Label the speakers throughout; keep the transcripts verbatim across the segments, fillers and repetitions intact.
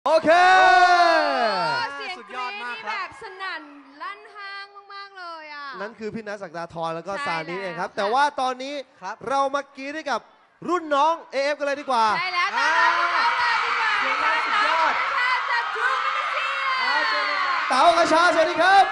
Speaker 1: โอเค
Speaker 2: เสียงกรี๊ดนี่แบบสนั่นลั่นห้างมากๆเลยอ่ะ
Speaker 1: นั่นคือพี่นัทศักดาธรแล้วก็ซานิเองครับแต่ว่าตอนนี้เรามากรี๊ดให้กับรุ่นน้อง เอ เอฟ กันเลยดีกว่า
Speaker 2: ใช่แล้วต้อนรับพี่เขาเลยดีกว่าเสียงดังสุดยอดจากทรูมินิเซีย
Speaker 1: เต๋ากระชาสวัสดีครับ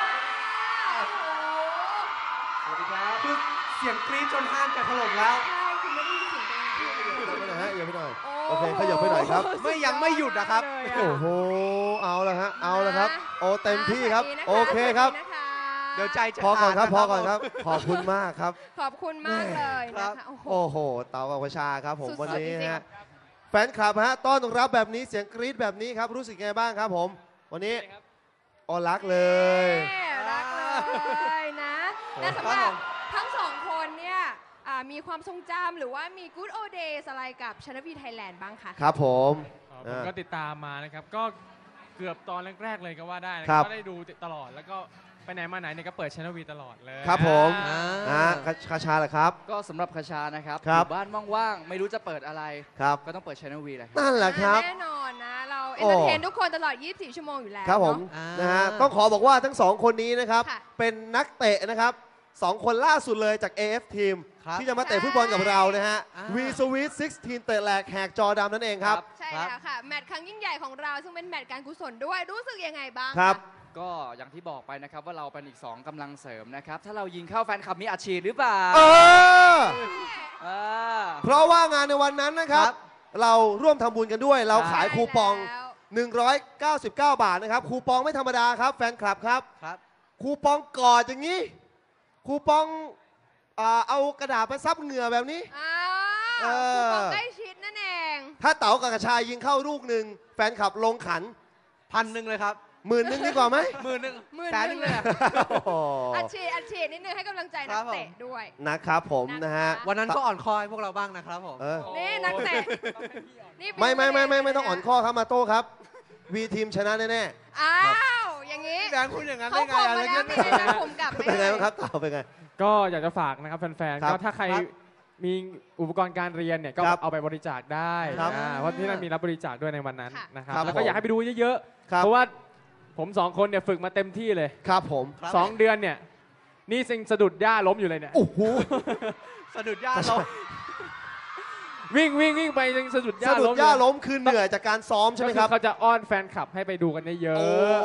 Speaker 3: สวัสดีครับคือเสียงกรี๊ดจนห้างจะถล่มแล้ว
Speaker 2: ใช่คุณไม่ได้ยินเสียงตัวเอง
Speaker 1: ไปหน่อยฮะอย่าไปหน่อยโอเคขยับไปหน่อยครับ
Speaker 3: ไม่ยังไม่หยุดนะครับ
Speaker 1: โอ้โหเอาละฮะเอาละครับโอ้เต็มที่ครับโอเคครับ
Speaker 3: เดี๋ยวใจจะ
Speaker 1: พอก่อนครับพอก่อนครับขอบคุณมากครับ
Speaker 2: ขอบคุณมากเลยนะคะ
Speaker 1: โอ้โหเต๋ากับกระชาครับผมวันนี้ฮะแฟนคลับฮะต้อนรับแบบนี้เสียงกรี๊ดแบบนี้ครับรู้สึกไงบ้างครับผมวันนี้อ๋อรักเลย
Speaker 2: รักเลยนะและสำหรับทั้งสองคนเนี่ยมีความทรงจำหรือว่ามี Good Old Days อะไรกับชนวีไทยแลนด์บ้างคะ
Speaker 1: ครับผม
Speaker 4: ผมก็ติดตามมานะครับก็เกือบตอนแรกๆเลยก็ว่าได้นะก็ได้ดูตลอดแล้วก็ไปไหนมาไหนเนี่ยก็เปิดชนวีตลอดเลย
Speaker 1: ครับผมอ่าคาชาเหรอครับ
Speaker 5: ก็สำหรับคาชานะครับอยู่บ้านว่างๆไม่รู้จะเปิดอะไร
Speaker 1: ครับ
Speaker 5: ก็ต้องเปิดชนวีแหละ
Speaker 1: นั่นแหละครับ
Speaker 2: แน่นอนนะเราเอนเตอร์เทนทุกคนตลอดยี่สิบสี่ชั่วโมงอยู่แล้ว
Speaker 1: ครับผมนะฮะต้องขอบอกว่าทั้งสองคนนี้นะครับเป็นนักเตะนะครับสองคนล่าสุดเลยจาก เอ เอฟ ทีมที่จะมาเตะฟุตบอลกับเรานะฮะวีสวีทสิบหกเตะแหลกแหกจอดำนั่นเองครับ
Speaker 2: ใช่แล้วค่ะแมตช์ครั้งยิ่งใหญ่ของเราซึ่งเป็นแมตช์การกุศลด้วยรู้สึกยังไงบ้าง
Speaker 1: ครับ
Speaker 5: ก็อย่างที่บอกไปนะครับว่าเราเป็นอีกสองกำลังเสริมนะครับถ้าเรายิงเข้าแฟนคลับมีอัดฉีดหรือเปล่า
Speaker 1: เออเพราะว่างานในวันนั้นนะครับเราร่วมทำบุญกันด้วยเราขายคูปองหนึ่งร้อยเก้าสิบเก้าบาทนะครับคูปองไม่ธรรมดาครับแฟนคลับครับคูปองกอดอย่างนี้คูปองเอากระดาษไปซับเหงื่อแบบนี้
Speaker 2: คูปองใกล้ชิดนั่นเอง
Speaker 1: ถ้าเต๋ากับกระชายยิงเข้าลูกหนึ่งแฟนคลับลงขัน
Speaker 3: พันหนึ่งเลยครับ
Speaker 1: หมื่นหนึ่งดีกว่าไหม
Speaker 3: หมื่นหนึ่ง
Speaker 2: แสนหนึ่งเลยอัดฉีดอัดฉีดนิดนึงให้กำลังใจนักเตะด้วย
Speaker 1: นะครับผมนะฮะ
Speaker 3: วันนั้นก็อ่อนคอยพวกเราบ้างนะครับผม
Speaker 2: นี่นักเตะ
Speaker 1: ไม่ไม่ไม่ไม่ไม่ต้องอ่อนข้อครับมาโต้ครับวีทีมชนะแน่
Speaker 2: ๆอ้าวอย่างนี้
Speaker 3: แบงค์คุณอย่างนั้นได้ไง
Speaker 2: อะไรเงี้ยผมกลับ
Speaker 1: เป็นไงบ้างครับเต๋าเป็นไง
Speaker 4: ก็อยากจะฝากนะครับแฟนๆก็ถ้าใครมีอุปกรณ์การเรียนเนี่ยก็เอาไปบริจาคได้เพราะที่นั่นมีรับบริจาคด้วยในวันนั้นนะครับแล้วก็อยากให้ไปดูเยอะๆเพราะว่าผมสองคนเนี่ยฝึกมาเต็มที่เลย
Speaker 1: ครับผม
Speaker 4: สองเดือนเนี่ยนี่สิงสะดุดหญ้าล้มอยู่เลยเนี่ย
Speaker 1: โอ้โห
Speaker 3: สะดุดหญ้าล้ม
Speaker 4: วิ่งวิ่งวิ่งไปยังสะดุดหญ้าล้ม
Speaker 1: สะดุดหญ้าล้มคือเหนื่อยจากการซ้อมใช่ไหมครับ
Speaker 4: เขาจะอ้อนแฟนคลับให้ไปดูกันเยอะ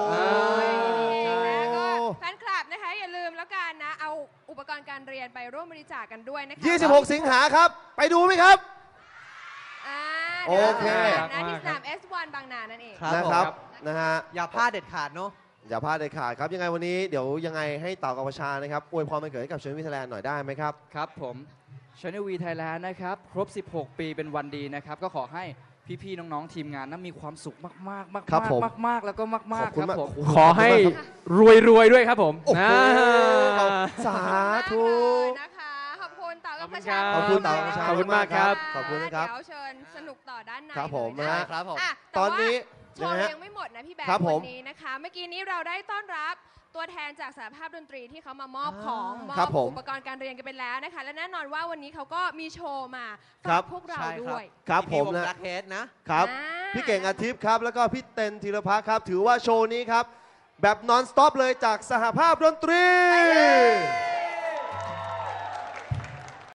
Speaker 2: แฟนคลับนะคะอย่าลืมแล้วกันนะเอาอุปกรณ์การเรียนไปร่วมบริจาคกันด้วยนะคะ
Speaker 1: ยี่สิบหกสิงหาครับไปดูไหมครับโอเค
Speaker 2: นะที่สนาม เอส วัน บางนานั่นเอง
Speaker 1: นะครับนะฮะ
Speaker 3: อย่าพลาดเด็ดขาดเนาะ
Speaker 1: อย่าพลาดเด็ดขาดครับยังไงวันนี้เดี๋ยวยังไงให้เต๋ากับประชานะครับอวยพรวันเกิดให้กับชนวีไทยแลนด์หน่อยได้ไหมครับ
Speaker 5: ครับผมชนวีไทยแลนด์นะครับครบสิบหกปีเป็นวันดีนะครับก็ขอให้พี่ๆน้องๆทีมงานนั้นมีความสุขมากๆมากๆมากๆแล้วก็มากๆครับผม
Speaker 4: ขอให้รวยๆด้วยครับผม
Speaker 1: สาธุ
Speaker 2: นะคะขอบคุณเต๋ากับประชา
Speaker 1: ขอบคุณเต๋ากับประชา
Speaker 4: ขอบคุณมากครับ
Speaker 1: ขอบคุณนะครับ
Speaker 2: เดี๋ยวเชิญสนุกต่อด้านใน
Speaker 1: ครับผม
Speaker 3: นะครับผม
Speaker 1: ตอนนี้
Speaker 2: โชว์ยังไม่หมดนะพี่แบงค์วันนี้นะคะเมื่อกี้นี้เราได้ต้อนรับตัวแทนจากสหภาพดนตรีที่เขามามอบของมอบอุปกรณ์การเรียนกันไปแล้วนะคะและแน่นอนว่าวันนี้เขาก็มีโชว์มาฝากพวกเราด้วย
Speaker 1: ครับผมนะนะครับพี่เก่งอาทิตย์ครับแล้วก็พี่เต็นธีรพัฒน์ครับถือว่าโชว์นี้ครับแบบนอนสต็อปเลยจากสหภาพดนตรี